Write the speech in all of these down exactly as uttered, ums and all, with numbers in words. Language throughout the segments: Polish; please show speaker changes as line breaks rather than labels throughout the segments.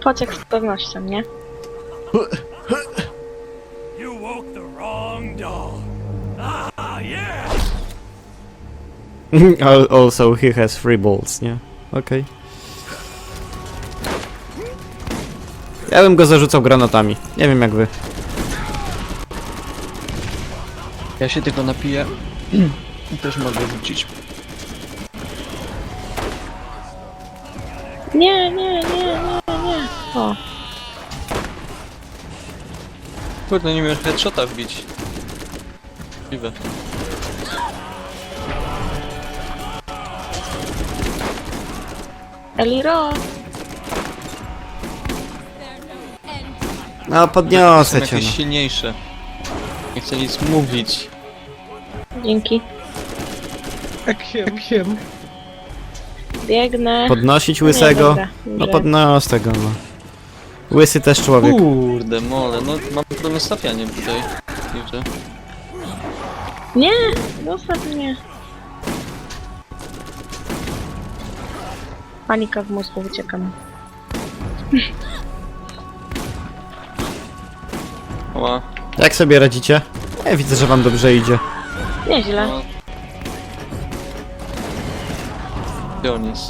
Pociek z pewnością, nie?
You woke the wrong dog. Ah, yeah.
Al- Also, he has three balls, nie? Okej. Ja bym go zarzucał granatami. Nie wiem jak wy.
Ja się tylko napiję i też mogę rzucić.
Nie, nie, nie, nie, nie. O,
Kurde, nie miałem headshota wbić. Możliwe.
Eliro!
No
Są
podniosę cię.
jakieś
No.
silniejsze. Nie chcę nic mówić.
Dzięki.
Ekiem, ekiem.
Biegnę.
Podnosić
Nie,
łysego?
dobra,
No
dobrze.
podnos tego, no. Łysy też człowiek.
Kurde, mole, no mam problem z stawianiem tutaj. Widzę.
Nie! Zostaw mnie. Panika w mózgu, uciekam.
Oła.
Jak sobie radzicie? Ja widzę, że wam dobrze idzie.
Nieźle.
No. Gdzie on jest?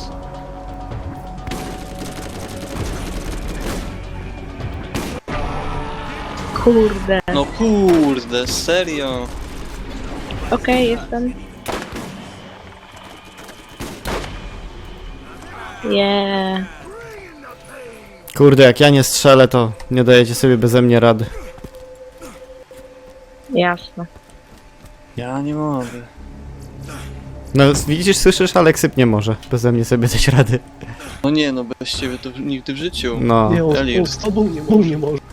Kurde.
No kurde, serio?
Okej, jestem. Yeah.
Kurde, jak ja nie strzelę, to nie dajecie sobie beze mnie rady.
Jasne.
Ja nie mogę.
No widzisz, słyszysz, Aleksyp nie może beze mnie sobie dać rady.
No nie, no bez ciebie to nigdy w życiu.
No.
Nie, on,
Elir.
on z tobą nie, on nie może.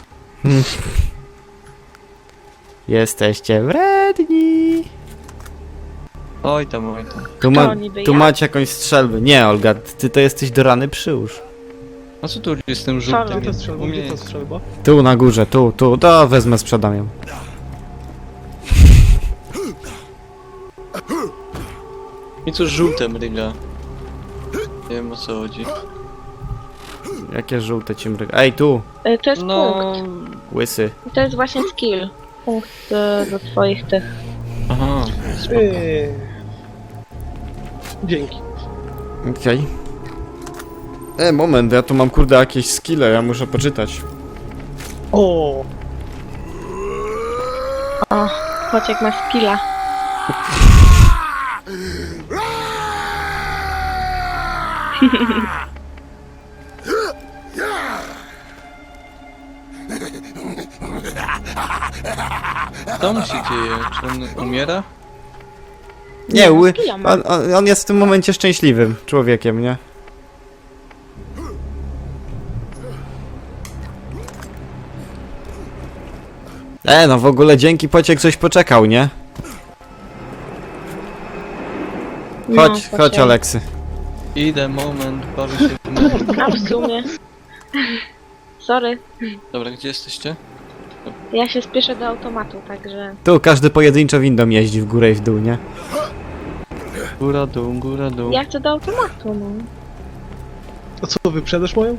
Jesteście wredni.
Oj tam, oj tam.
Tu, ma,
Kto niby
tu
ja?
macie jakąś strzelbę. Nie, Olga, ty to jesteś do rany przyłóż.
A co tu jest z tym
Szalon.
żółtym?
Gdzie ta strzelba,
U mnie
gdzie ta
jest.
strzelba?
Tu na górze, tu, tu, to wezmę, sprzedam ją.
I co żółte mryga? Nie wiem o co chodzi.
Jakie żółte ci mryga. Ej, tu,
Y, To jest
No...
punkt.
łysy.
To jest właśnie skill. Punkt y, do twoich tych.
Aha.
Eee. Dzięki.
Okej. E, moment, ja tu mam kurde jakieś skille, ja muszę poczytać.
O,
O, Pociek ma skilla.
Co mu się dzieje? Czy on umiera?
Nie,
no,
ły,
skilla ma.
on, on, on jest w tym momencie szczęśliwym człowiekiem, nie? E, no w ogóle dzięki Pociek coś poczekał, nie?
No,
Chodź, chodź
Pociek.
Aleksy.
Idę, moment, bawię się w moment.
A w sumie. Sorry.
Dobra, gdzie jesteście?
Ja się spieszę do automatu, także...
Tu każdy pojedynczo windą jeździ w górę i w dół, nie?
Góra, dół, góra, dół.
Ja chcę do automatu, no.
a co, wyprzedasz moją?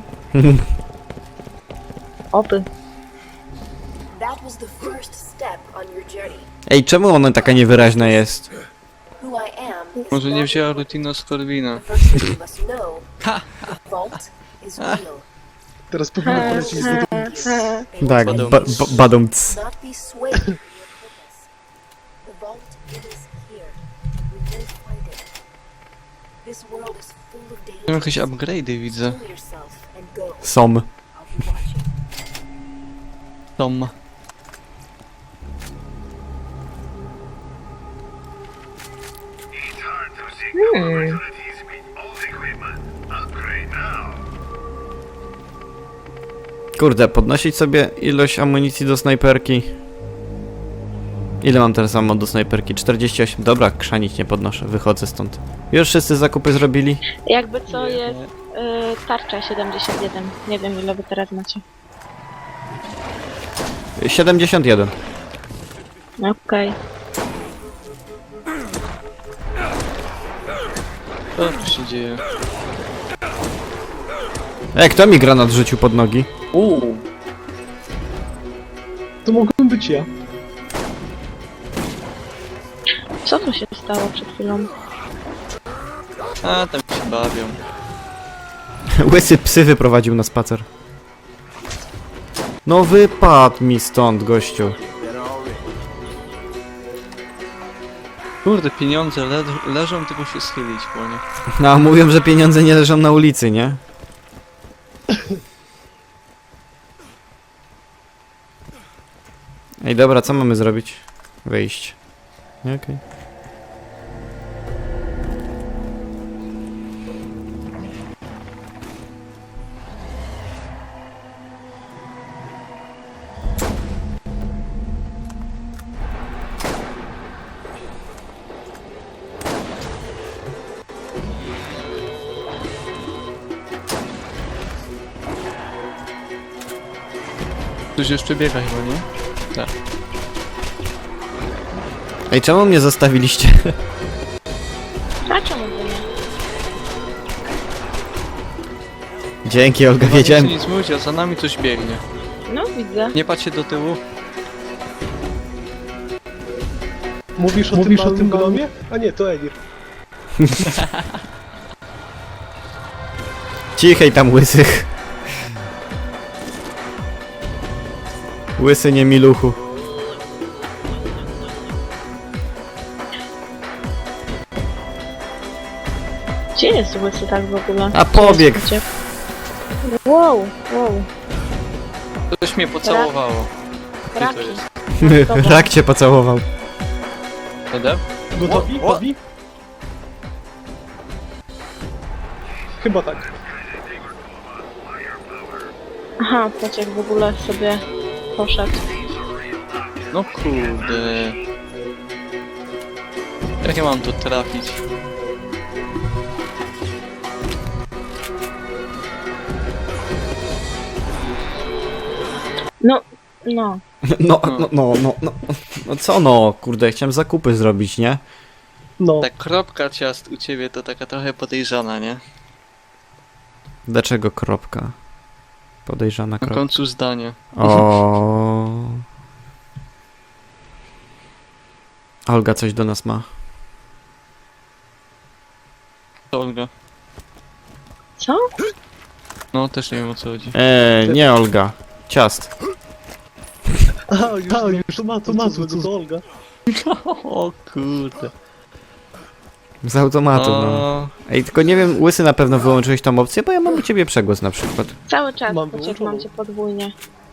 Oby.
That was the first step on your journey.
Ej, czemu ona taka niewyraźna jest?
Who I am is
Może nie
not
wzięła Rutino z Corwina.
the first thing you must know. The vault is real.
Teraz powinno polecieć do domu.
Tak,
Badum.
ba ba badumc.
Do not be swayed from your purpose. The vault is here. We will find it. This world is full of
Mam jakieś
dangers.
upgrade'y widzę.
Kill yourself and go.
Som.
I'll be watching.
Tom.
Hmm. Old equipment. Upgrade now.
Kurde, podnosić sobie ilość amunicji do snajperki. Ile mam teraz ammo do snajperki? czterdzieści osiem. Dobra, krzanić nie podnoszę, wychodzę stąd. Już wszyscy zakupy zrobili?
Jakby co jest y, tarcza siedemdziesiąt jeden. Nie wiem ile wy teraz macie.
siedemdziesiąt jeden.
Okej.
Co tu się dzieje?
Ej, kto mi granat rzucił pod nogi?
Uuu.
To mogłem być ja.
Co tu się stało przed chwilą?
A, tam się bawią.
Łysy psy wyprowadził na spacer. No wypadł mi stąd, gościu.
Kurde, pieniądze le leżą, tylko się schylić po nie.
No, a mówią, że pieniądze nie leżą na ulicy, nie? Ej, dobra, co mamy zrobić? Wyjść. Nie, okej.
Ktoś jeszcze biega chyba, nie?
Ej, czemu mnie zostawiliście?
A czemu by nie?
Dzięki, Olga,
Chyba
wiedziałem.
nic, nic mówić, a za nami coś biegnie.
No widzę.
Nie patrzcie do tyłu.
Mówisz o Mówisz tym, o tym gnomie? A nie, to Edir.
Cichej tam, łysych. Łysy nie miluchu.
Gdzie jest łysy tak w ogóle?
A pobiegł.
Gdzie jest uciek? Wow, wow.
Ktoś mnie pocałowało. Gdzie to
Raki.
jest?
Rak cię pocałował.
Ede?
Gotowi?
O, o.
Gotowi? Chyba tak.
Aha, pociek w ogóle sobie poszedł.
No kurde. Jak ja mam tu trafić?
No, no.
No, no, no, no, no. No co no, kurde, chciałem zakupy zrobić, nie?
No.
Ta kropka ciast u ciebie to taka trochę podejrzana, nie?
Dlaczego kropka? Podejrzana
Na
kropka.
końcu zdania.
O. Olga coś do nas ma.
To Olga.
Co?
No też nie wiem o co chodzi.
Eee, nie Olga. Ciast.
A, już, A, już to ma, to ma, co to Olga.
O kurde.
Z automatu, no. Ej, tylko nie wiem, łysy na pewno wyłączyłeś tą opcję, bo ja mam u ciebie przegłos na przykład.
Cały czas
Mam
pociek,
wyłączoną.
mam cię podwójnie.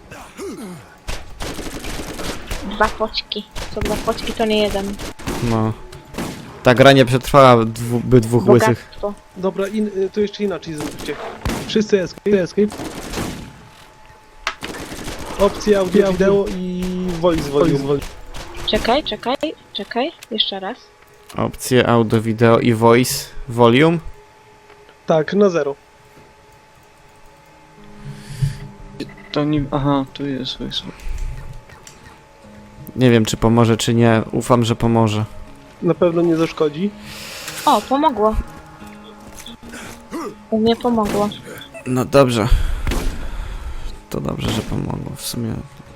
Dwa poczki. Co dwa poczki to nie jeden.
No. Ta gra nie przetrwała dwu, by dwóch łysych.
Bogactwo.
Dobra, in, y, to jeszcze inaczej zróbcie. Wszyscy escape, escape. Opcja audio, wideo i voice volume.
Czekaj, czekaj, czekaj. Jeszcze raz.
Opcje audio, wideo i voice volume.
Tak, na zero.
To nie... Aha, tu jest, tu jest.
Nie wiem, czy pomoże, czy nie. Ufam, że pomoże.
Na pewno nie zaszkodzi.
O, pomogło. U mnie pomogło.
No dobrze. To dobrze, że pomogło w sumie.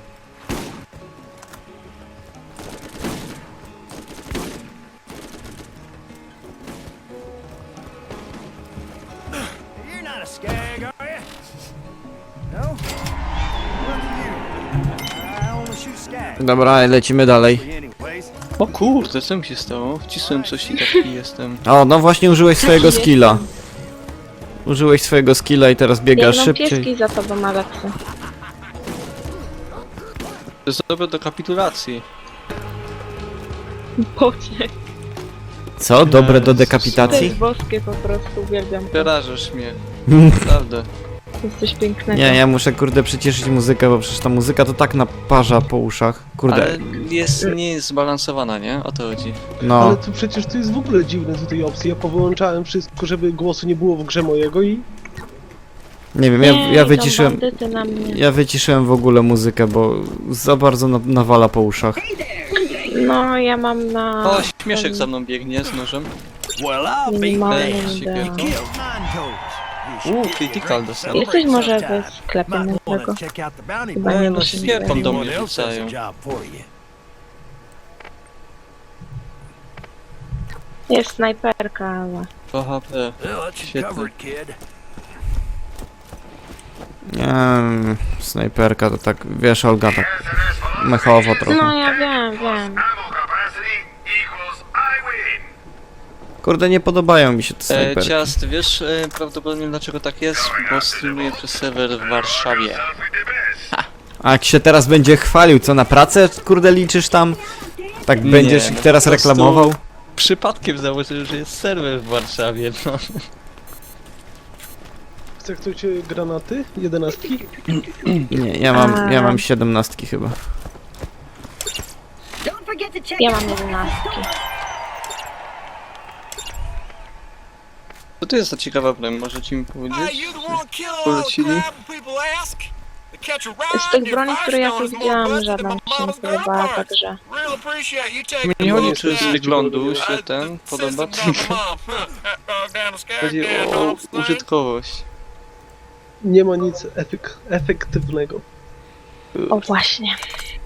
You're not a skag, are you? No? Look at you. I only shoot skag.
Dobra, lecimy dalej.
Anyways,
O kurde, co mi się stało? Wcisłem coś i taki jestem.
O, no właśnie użyłeś swojego
Taki
skilla.
jestem.
Użyłeś swojego skilla i teraz biegasz
Biegną
szybciej.
pieski za tobą, Aleksy.
To jest dobre do kapitulacji.
Pociek.
Co? Dobre do
To
dekapitacji?
jest boskie po prostu, uwielbiam.
Przerażasz mnie. Naprawdę.
Jest coś pięknego.
Nie, ja muszę kurde przycieszyć muzykę, bo przecież ta muzyka to tak naparza po uszach. Kurde,
Ale jest, nie jest zbalansowana, nie? O to chodzi.
no.
Ale to przecież to jest w ogóle dziwne tutaj opcje. Ja powyłączałem wszystko, żeby głosu nie było w grze mojego i...
Nie wiem, ja,
Nie,
ja
idą
wyciszyłem...
bandyty na mnie.
Ja wyciszyłem w ogóle muzykę, bo za bardzo na, nawala po uszach.
No, ja mam na...
O, śmieszek za mną biegnie z nożem.
well, I'll be
Minimalnym
damned.
ideą.
Siekierką.
Killed nine toes. You
Uuu, critical dostałem.
Jesteś może w sklepie
Might wanna
nowego?
check out the bounty
Chyba
board.
nie
no,
muszę
świetną
mieć.
do mnie
Anyone else has a
rzucają.
job for you.
Jest snajperka, ale...
dwa H P.
Well, that's you
Świetnie.
covered, kid.
Nie wiem, snajperka to tak, wiesz Olga, tak mechowo trochę.
No ja wiem, wiem.
Ammo capacity equals I win.
Kurde, nie podobają mi się te
E,
snajperki.
Ciast, wiesz e, prawdopodobnie dlaczego tak jest? Bo streamuję przez serwer w Warszawie.
Start with the best.
A jak się teraz będzie chwalił, co na pracę, kurde, liczysz tam? Tak
Nie,
będziesz
no
ich teraz
po prostu-
reklamował?
Przypadkiem założyłem, że jest serwer w Warszawie, no.
Chce ktoś e, granaty? Jedenastki?
Nie, ja mam, ja
A.
mam siedemnastki chyba.
Ja mam jedenastki.
Co to jest za ciekawa broń, możecie mi powiedzieć?
you the one kill all the
Polecili?
crab people ask? To catch a ride
Z tych
in
broni, które ja tu
Firestone is more
widziałam,
busted
żadna
than
mi
my
się nie
mama's
podobała,
gunfights.
także...
Real appreciate you taking
Nie
the
chodzi,
road
czy z
down.
wyglądu się
Uh,
ten
the
podoba,
system down
tylko
my mom. Uh, down the
chodzi
Skycam
o
dogs thing.
użytkowość.
Nie ma nic efek efektywnego.
O właśnie.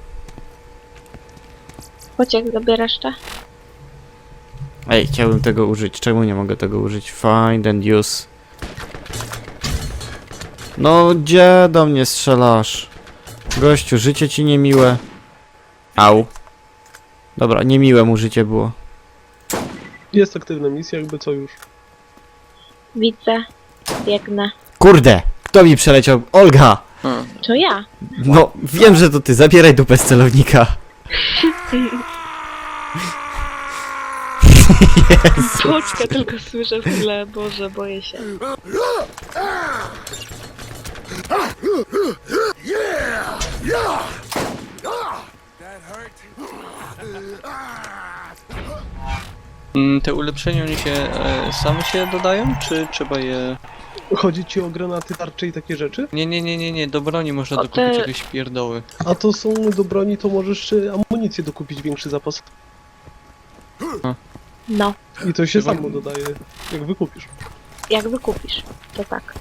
Pociek zabierasz te?
Ej, chciałbym tego użyć, czemu nie mogę tego użyć? Find and use. No, gdzie do mnie strzelasz? Gościu, życie ci niemiłe. Au. Dobra, niemiłe mu życie było.
Jest aktywna misja, jakby co już.
Widzę. Biegnę.
Kurde! Kto mi przeleciał? Olga!
A,
To ja.
No, wiem, że to ty. Zabieraj dupę z celownika.
Płoczkę tylko słyszę w tle. Boże, boję się.
mm, te ulepszenia oni się e, same się dodają, czy trzeba je...
Chodzi ci o granaty, tarcze i takie rzeczy?
Nie, nie, nie, nie, nie, do broni można
O,
dokupić
te-
jakieś pierdoły.
A to są do broni, to możesz e, amunicję dokupić, większy zapas.
No.
I to się
Chyba-
samo dodaje, jak wykupisz.
Jak wykupisz, to tak.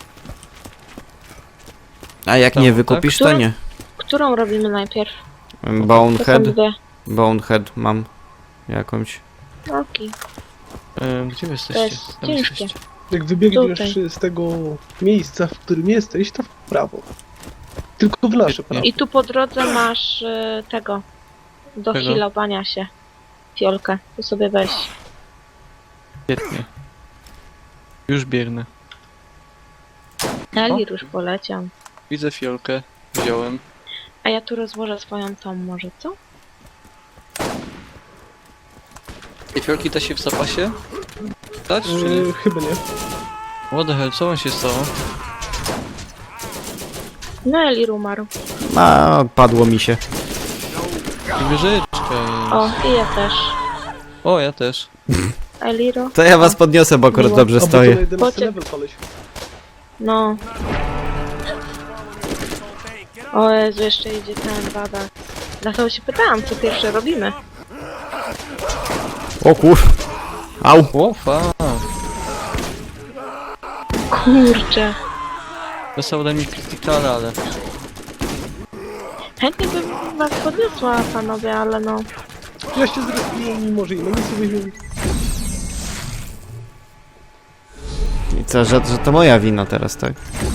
A jak
Tam,
nie
tak?
wykupisz, to
Które?
nie.
Którą robimy najpierw? To są
Bonehead.
dwie.
Bonehead mam. Jakąś.
Okej.
E, gdzie wy
To
jesteście?
jest
Tam
ciężkie.
jesteście.
Jak wybiegniesz
Tutaj.
z tego miejsca, w którym jesteś, to w prawo. Tylko w nasze prawo.
I tu po drodze masz y, tego. Do
Czego?
healowania się. Fiolkę. To sobie weź.
Świetnie. Już biegnę.
Elir już poleciał.
Widzę fiolkę, wziąłem.
A ja tu rozłożę swoją tą może, co?
I fiolki da się w zapasie? Dać czy nie?
E, chyba nie.
What the hell, co on się stało?
No Elir umarł.
A, padło mi się.
I wieżyczka
O,
jest.
i ja też.
O, ja też.
Eliro?
To ja was podniosę, bo akurat
Miło.
dobrze
A bo to
stoję.
na jedenasty
Pocie-
level koleś.
No. O Jezu, jeszcze idzie ten bada. Dlatego się pytałam, co pierwsze robimy.
O kur... Au.
O, fa.
Kurczę.
Dostał ode mnie criticala, ale...
Chętnie bym was podniosła, panowie, ale no.
Ja się zrespiłem, mimo że inne misje weźmiemy.
I co, że, że to moja wina teraz, tak?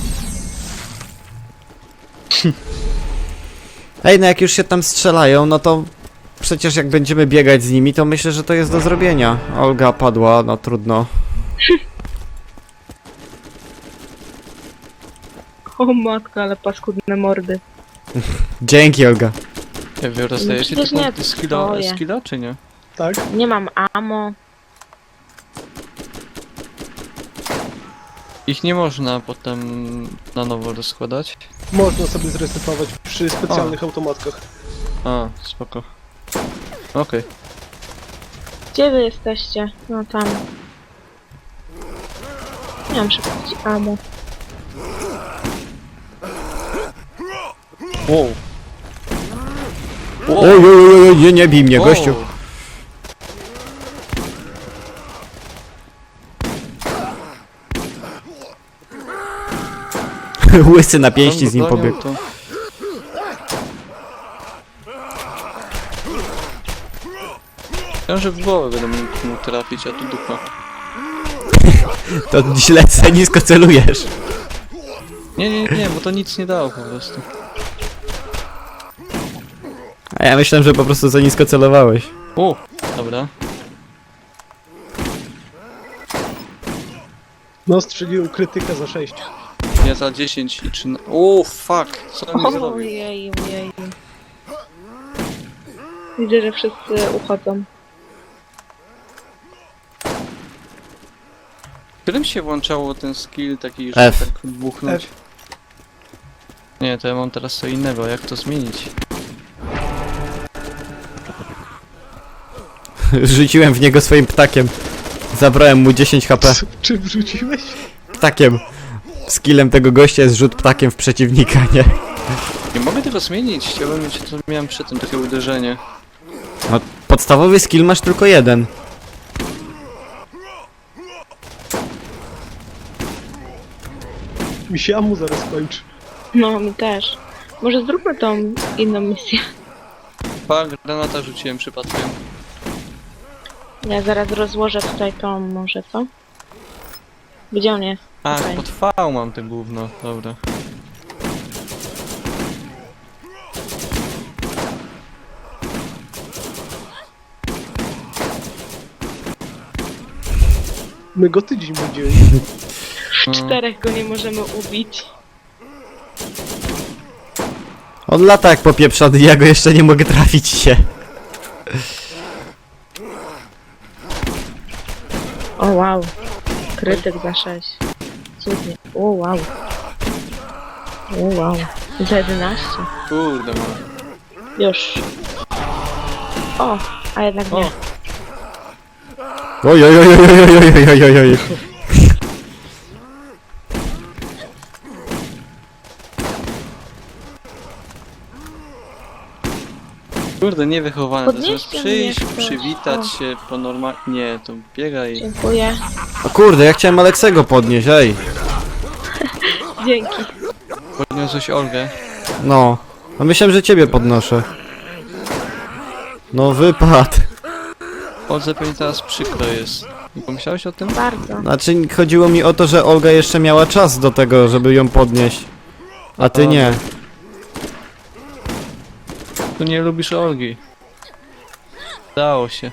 Ej, no jak już się tam strzelają, no to przecież jak będziemy biegać z nimi, to myślę, że to jest do zrobienia. Olga padła, no trudno.
O matko, ale paskudne mordy.
Dzięki, Olga.
Ja wy dostajecie
przecież
te
nie
punkty skilla,
twoje.
skilla, czy nie?
Tak?
Nie mam ammo.
Ich nie można potem na nowo rozkładać.
Można sobie zresetować przy specjalnych automatkach.
A, spoko. Okej.
Gdzie wy jesteście? No tam. Nie mam szybkość ammo.
Wow.
Oj, oj, oj, oj, nie, nie bij mnie,
Wow.
gościu. Łysy na pięści z nim
Bronią,
pobiegł.
to- Myślałem, że w głowę będę mógł mu trafić, a tu dupa.
To źle, za nisko celujesz.
Nie, nie, nie, bo to nic nie dało po prostu.
A ja myślałem, że po prostu za nisko celowałeś.
O, dobra.
No, strzeliłem krytykę za sześć.
Ja za dziesięć i trzynaście. O, fuck! Co on mi zrobił?
Ojej, ojej. Widzę, że wszyscy uchodzą.
Którym się włączało ten skill taki, że
F.
tak buchnąć?
F.
Nie, to ja mam teraz co innego, jak to zmienić?
Rzuciłem w niego swoim ptakiem. Zabrałem mu dziesięć H P.
C- Czy wrzuciłeś?
Ptakiem. Skillem tego gościa jest rzut ptakiem w przeciwnika, nie?
Nie mogę tego zmienić, chciałbym mieć to, co miałem przedtem, takie uderzenie.
No, podstawowy skill masz tylko jeden.
Mi się amu zaraz kończy.
No, mi też. Może zróbmy tą inną misję.
Pa, granata rzuciłem przypadkiem.
Ja zaraz rozłożę tutaj tą, może co? Gdzie on jest?
A,
Okej.
pod V mam te gówno, dobra.
My go tydzień będziemy.
W czterech go nie możemy ubić.
On lata jak popieprzony, ja go jeszcze nie mogę trafić się.
O wow. Krytyk za sześć. Cudnie. O wow. O wow. Za jedenaście.
Kurde, mam.
Już. O, a jednak nie.
O.
Oj, oj, oj, oj, oj, oj, oj, oj, oj.
Kurde, niewychowane, to zamiast
Podnieście mnie
przyjść,
ktoś.
przywitać
O.
się po normalnie... Nie, to biegaj.
Dziękuję.
O kurde, ja chciałem Aleksego podnieść, ej.
Dzięki.
Podniosłeś Olgę.
No. A myślałem, że ciebie podnoszę. No wypad.
Olze pewnie teraz przykro jest. Nie pomyślałeś o tym?
Bardzo.
Znaczy chodziło mi o to, że Olga jeszcze miała czas do tego, żeby ją podnieść. A ty nie.
Tu nie lubisz Olgi. Dało się.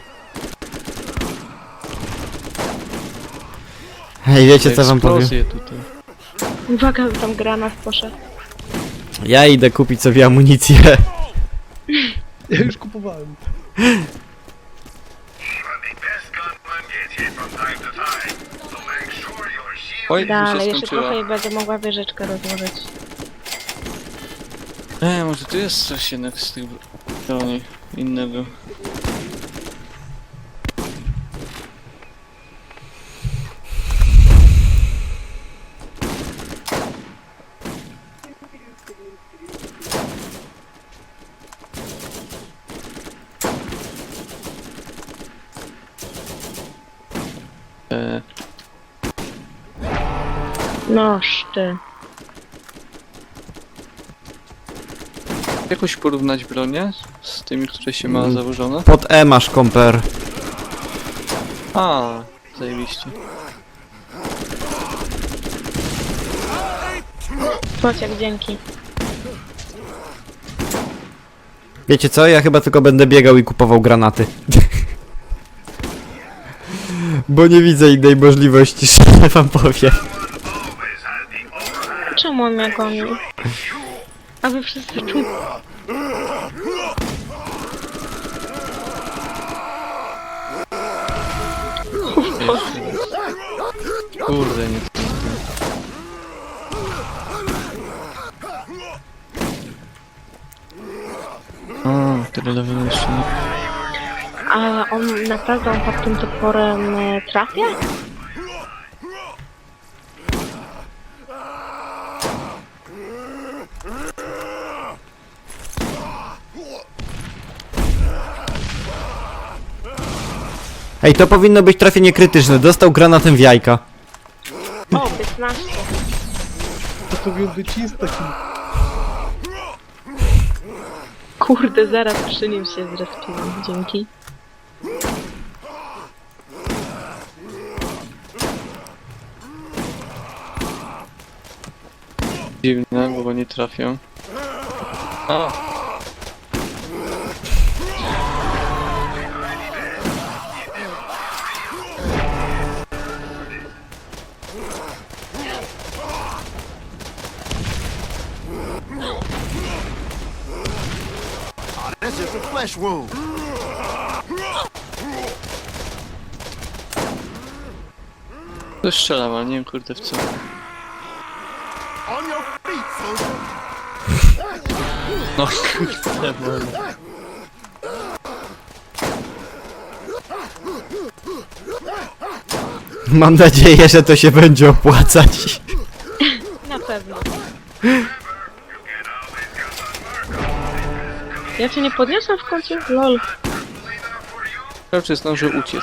Hej, wiecie co wam powiem?
Eksplozje tutaj.
Uwaga, tam granat poszedł.
Ja idę kupić sobie amunicję.
Ja już kupowałem.
Even the best gunman gets hit from time to time, so make sure your shield
Oj, mi
Dalej,
się
jeszcze
skończyła.
trochę i będę mogła wieżyczkę rozłożyć.
E, może tu jest coś jednak z tych broni innego. E,
Noż ty.
jakoś porównać bronię z tymi, które się ma założone?
Pod E masz komper.
A, zajebiście.
Pociak, dzięki.
Wiecie co? Ja chyba tylko będę biegał i kupował granaty. Bo nie widzę innej możliwości, że wam powiem.
always has the upper hand.
Czemu on mnie goni? A wy wszyscy tu.
Kurde, nie to. A, tyle level jeszcze nie.
A on naprawdę on tak tym toporem e, trafia?
Ej, to powinno być trafienie krytyczne. Dostał granatem w jajka.
O, piętnaście.
powinien być insta-kill.
Kurde, zaraz przy nim się zrespiłem. Dzięki.
Dziwne, bo go nie trafią. A,
That's just a flesh wound.
to strzelam, ale nie wiem kurde w co.
On your feet, soldier.
No kurde, no.
Mam nadzieję, że to się będzie opłacać.
Na pewno. Ja cię nie podniosłem w końcu? Lol.
Raczej zdążył uciec.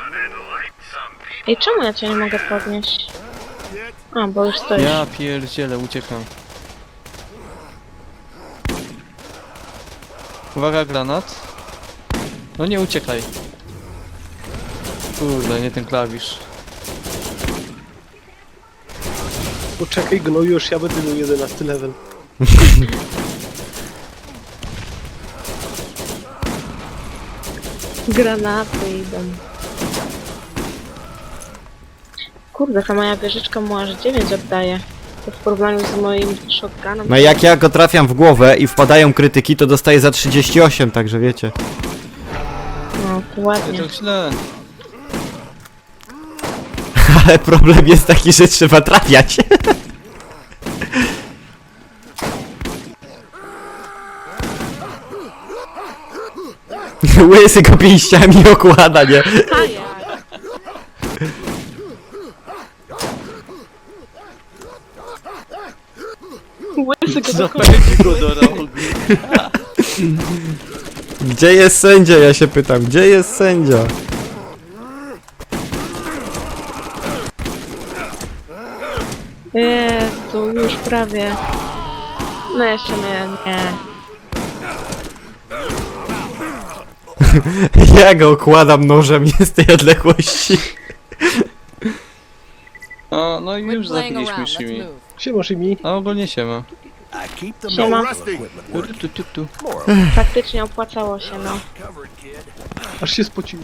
Ej, czemu ja cię nie mogę podnieść? A, bo już stoisz.
Ja pierdzielę, uciekam. Uwaga, granat. No nie uciekaj. Kurde, nie ten klawisz.
Poczekaj, gnoju, już ja będę miał jedenasty level.
Granaty idą. Kurde, ta moja wieżyczka mu aż dziewięć oddaje. To w porównaniu z moim shotgunem.
No jak ja go trafiam w głowę i wpadają krytyki, to dostaję za trzydzieści osiem, także wiecie.
No, to
Nie
ładnie.
tak źle.
Ale problem jest taki, że trzeba trafiać. Łysy go pięściami okłada, nie?
A jak? Łysy go do
Zapędzi go do rogu.
Gdzie jest sędzia, ja się pytam, gdzie jest sędzia?
Jezu, już prawie. No jeszcze nie, nie.
Ja go okładam nożem nie z tej odległości.
O, no i już zabiliśmy Shimi.
Siema, Shimi.
A ogólnie siema.
I keep them
Siema.
no rusty.
Tu, tu, tu, tu.
Faktycznie opłacało się, no.
Aż się spociłem.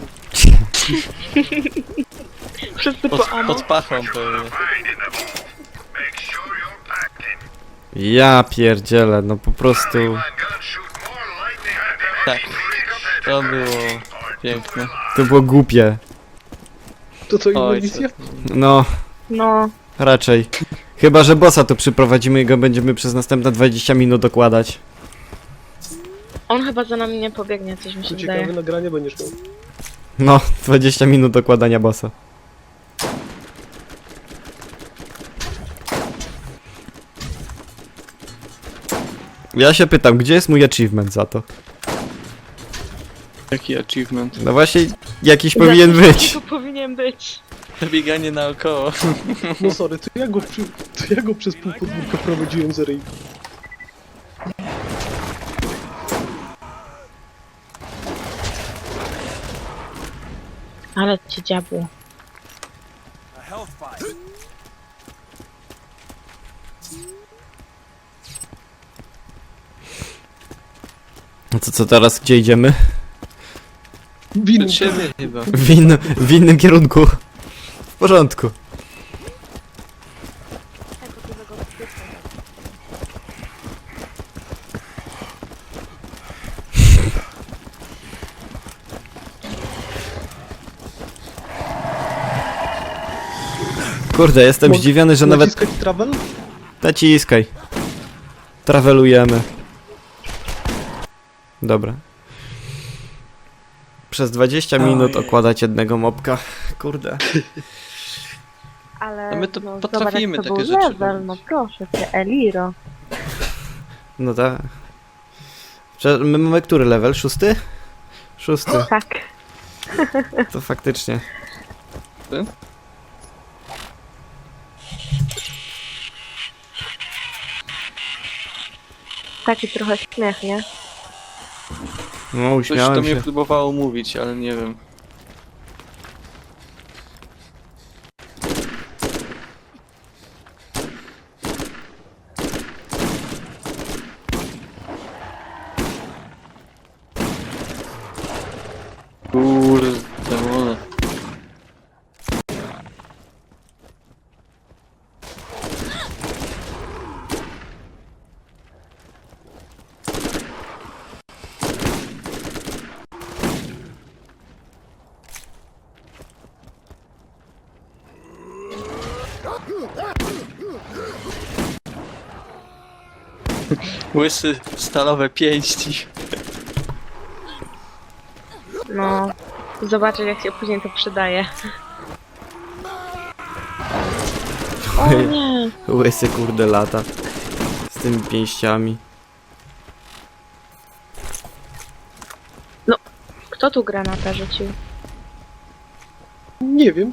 Wszyscy
Pod,
po amo.
pod pachą pewnie.
Find in the vault. Make sure you're packed in.
Ja pierdzielę, no po prostu...
My guns shoot more lightning than
Tak.
any competitor.
To było piękne.
To było głupie.
To co,
Oj,
inwolicja?
No,
No,
raczej. Chyba, że bossa tu przyprowadzimy i go będziemy przez następne dwadzieścia minut dokładać.
on chyba za nami nie pobiegnie, coś mi się
To
wydaje.
ciekawe nagranie będziesz miał.
No, dwadzieścia minut dokładania bossa. Ja się pytam, gdzie jest mój achievement za to?
Jaki achievement.
No właśnie, jakiś powinien być.
To powinien być.
Bieganie naokoło.
No sorry, to ja go, przy, to ja go przez pół podwórka prowadziłem za ryj.
Ale ci diabło.
A health fight.
No to co teraz, gdzie idziemy?
Win.
Przed siebie chyba.
W, in, w innym kierunku. W porządku. Kurde, jestem
Mo-
zdziwiony, że nawet...
Naciskać travel?
Naciskaj. Travelujemy. Dobra. Przez dwadzieścia minut
Ojej.
okładać jednego mobka. Kurde.
Ale
No my to
no,
potrafimy
zobacz, jak to
takie
był
rzeczy
level,
robić.
no proszę cię, Eliro.
No tak. Prze- My mamy który level? Szósty? Szósty.
Tak.
To faktycznie.
Taki trochę śmiech, nie?
No,
Coś to
uśmiałem
mnie
się.
próbowało mówić, ale nie wiem. Kurde, demony. Łysy, stalowe pięści.
No, zobaczę jak się później to przydaje. O nie!
Łysy kurde lata. Z tymi pięściami.
Kto tu granata rzucił?
Nie wiem.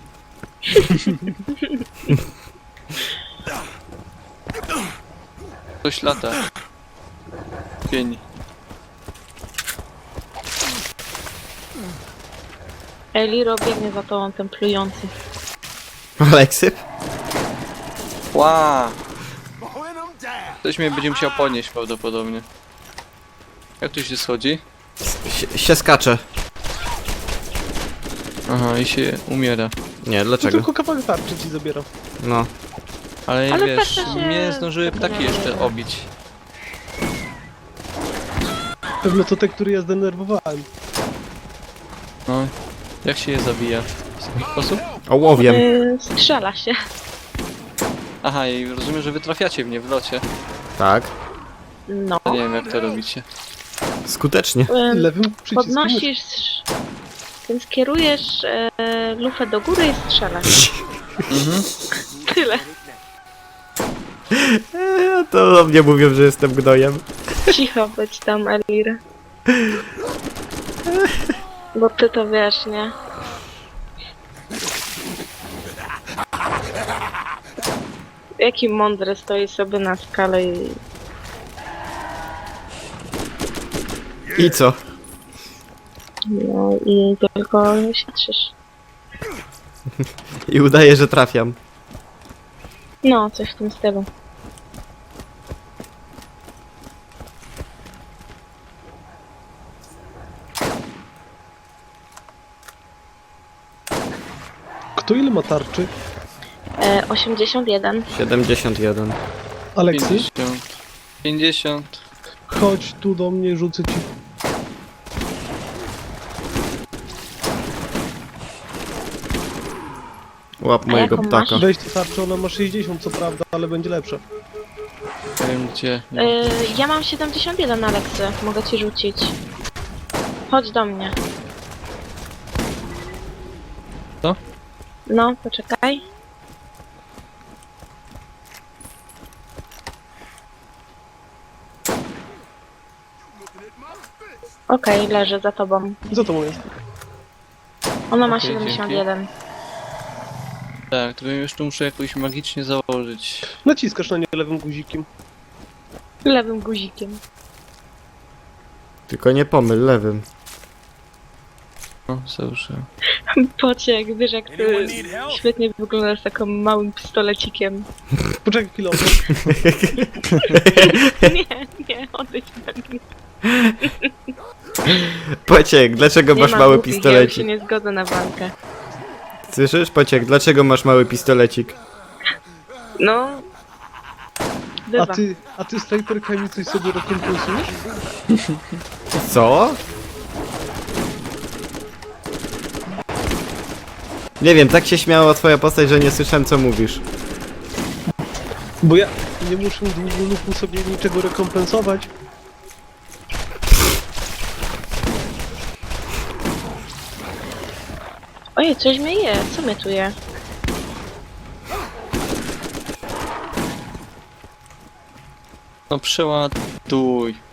Coś lata. Pień.
Eliro biegnie za tobą, ten plujący.
Aleksy?
Ła! Ktoś mnie będzie musiał podnieść prawdopodobnie. Jak tu się schodzi?
Sie, się skacze.
Aha, i się umiera.
Nie,
To
dlaczego?
tylko kawałek tarczy ci zabieram.
No.
Ale,
Ale
wiesz,
tak to się-
mnie zdążyły ptaki jeszcze obić.
Pewno to te, które ja zdenerwowałem.
No. Jak się je zabija? W jaki sposób?
Ołowiem.
Yy, strzela się.
Aha, i rozumiem, że wy trafiacie mnie w locie.
Tak.
No.
Ja nie wiem jak to robicie.
Skutecznie.
Yy,
Lewym przyciskiem.
podnosisz... Więc kierujesz e, lufę do góry i strzelasz.
Mhm.
Tyle.
Eee, to o mnie mówią, że jestem gnojem.
Cicho być tam, Elir. Bo ty to wiesz, nie? Jaki mądry stoi sobie na skale i...
I co?
No i tylko świadczysz.
I udaje, że trafiam.
No, coś w tym stylu.
Kto ile ma tarczy?
E, osiemdziesiąt jeden.
siedemdziesiąt jeden.
Aleksy?
pięćdziesiąt. pięćdziesiąt.
Chodź tu do mnie, rzucę ci.
Łap mojego
jaką
ptaka.
masz?
Weź tę tarczę, ona ma sześćdziesiąt co prawda, ale będzie lepsza.
Nie wiem gdzie. No.
E, ja mam siedemdziesiąt jeden, Aleksy. Mogę ci rzucić. Chodź do mnie.
Co?
No, poczekaj. Okej, leży za tobą.
Za tobą jest.
Ona ma
Okej,
siedemdziesiąt jeden.
Tak, to bym już tu muszę jakoś magicznie założyć.
Naciskasz na nie lewym guzikiem.
Lewym guzikiem.
Tylko nie pomyl lewym.
No, założyłem.
Pociek, wiesz jak ty
Anyone need help?
świetnie wyglądasz z takim małym pistolecikiem.
Poczekaj chwilę.
Nie, nie, odejdź ode mnie.
Pociek, dlaczego
Nie
masz
ma
mały
głupich, Ja już
pistolecik?
się nie zgodzę na walkę.
Słyszysz, Pociek, dlaczego masz mały pistolecik?
No...
A
Bywa.
ty, a ty z snajperkami coś sobie rekompensujesz?
Co? Nie wiem, tak się śmiała twoja postać, że nie słyszałem co mówisz.
Bo ja nie muszę długoluku sobie niczego rekompensować.
Ojej, coś mnie je. Co mnie tu je?
No przeładuj.